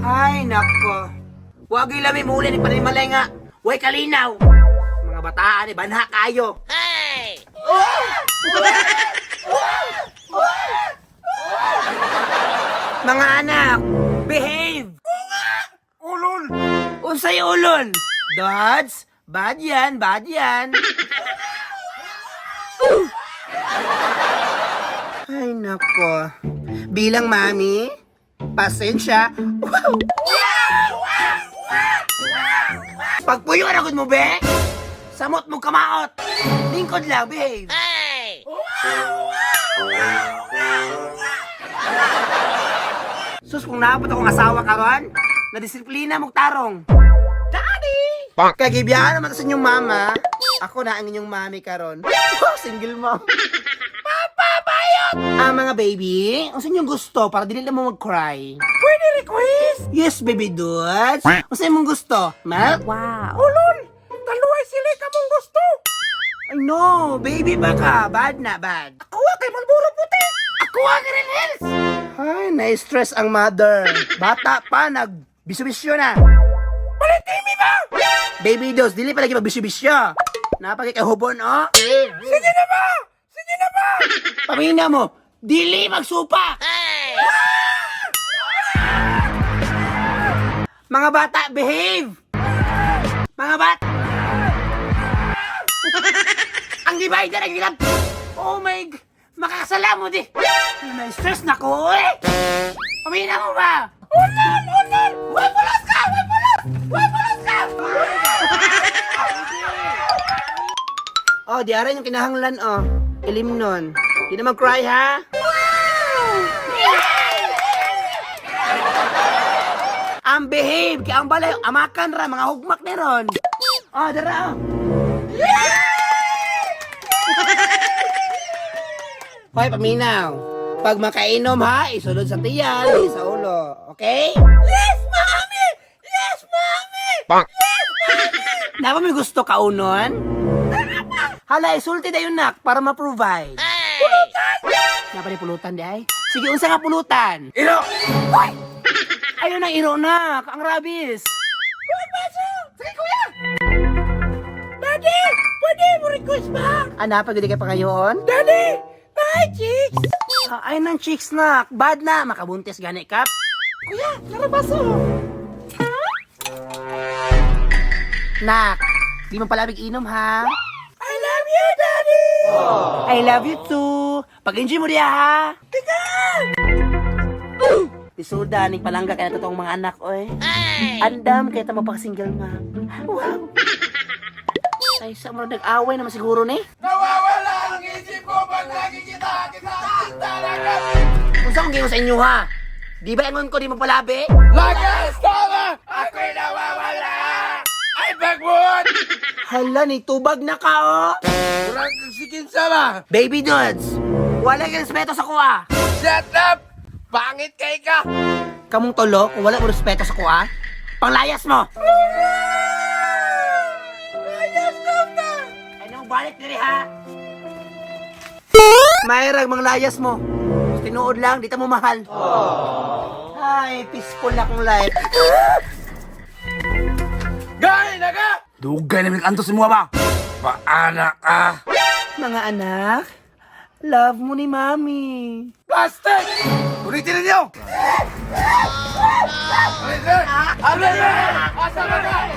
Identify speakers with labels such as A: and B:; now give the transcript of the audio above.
A: Ay, nako. Huwag ilami mo uli ni Panimalay nga. Huwag kalinaw. Mga bataan, banha kayo. Hey! Mga anak, behave!
B: Ulol!
A: Unsay ulol? Dads, bad yan, bad yan. Ay, nako. Bilang mami, pasensya. Pagpuyo na mo, be? Samot mo kamaot. Lingkod lang, behave. Hey! Sus, kung naapot akong asawa karon, nadisiplina mong tarong. Daddy! Kagibiyaan naman sa inyong mama. Ako na ang inyong mami karon. Oh, single mom. Papa, bayot! Mga baby, ang sa inyong gusto para dili na mo mag-cry.
B: Pwede request?
A: Yes, baby dudes. Ang sa inyong gusto? Milk?
C: Wow.
B: Ulol! Taluay sila ka mong gusto!
A: Ay no, baby baka. Bad na, bad.
B: Ako kay Malboro puti!
A: Ako ang Green Hills! Ay, na-stress ang mother. Bata pa, nag-bisyo-bisyo na.
B: Palitimi ba?
A: Baby dos, dili pa lagi magbisyo-bisyo. Napagkikahubon, oh.
B: Sige na ba? Sige na ba?
A: Pamina mo, dili magsupa! Mga bata, behave! Mga bata! Ang divider, ang gilap! Oh my God! Makakasala mo di! Na-stress na ko, eh! Pamina mo ba?
B: Ulol! Ulol!
A: Way pulas ka! Way pulas! Way pulas ka! Oh, di aray yung kinahanglan, oh. Ilim nun. Di na mag-cry, ha? Ang behave, kaya ang balay, amakan ra, mga hugmak na ron. Oh, dara, oh. Hoy, paminaw. Pag makainom, ha, isulod sa tiyan, di sa ulo. Okay?
B: Yes, mami! Yes, mami!
A: Napa may gusto kaunon? Hala, isulti na yun, nak, para ma-provide.
B: Pulutan!
A: Napa ni pulutan, di ay? Sige, unsa nga pulutan?
B: Iro!
A: Hoy! Ayun ang iro, nak, ang rabis.
B: Sige, kuya! Daddy! Pwede mo request ba?
A: Anapa, gudi ka pa ngayon?
B: Daddy! Bye, chicks!
A: Ay, nang chicks, nak. Bad na, makabuntis gani kap.
B: Kuya, narabaso!
A: Nak, di mo palabig inom, ha?
B: I love you, Daddy!
A: I love you too. Pag-enjoy mo diya, ha?
B: Tigan!
A: Isuda, ning palangga kaya na totoong mga anak, oy. Andam, kaya tamo pag single mom. Wow. Ay, sa mo nag-away naman siguro ni.
B: Nawawala ang isip ko pag nakikita kita talaga!
A: Kung saan kong sa inyo, ha? Di ba ingon ko di mo palabi?
B: Lagas tama! Ako'y nawawala! Ay, bagwood!
A: Hala, ni tubag na ka, oh.
B: Kurang sikin sama!
A: Baby dudes, wala kang respeto sa kuha.
B: Shut up! Pangit kay ka!
A: Kamong tolo, kung wala mo respeto sa kuha, panglayas mo.
B: Ayos na!
A: Ay, nang balik diri, ha? Mayrag, manglayas mo. Tinuod lang, di ta mo mahal. Ay, peaceful na kong life.
B: Gay na ka! Dugay namin antos mo ba? Paana ka!
A: Mga anak, love mo ni Mami.
B: Plastic! Ulitin ninyo! Ulitin! Asa na ka?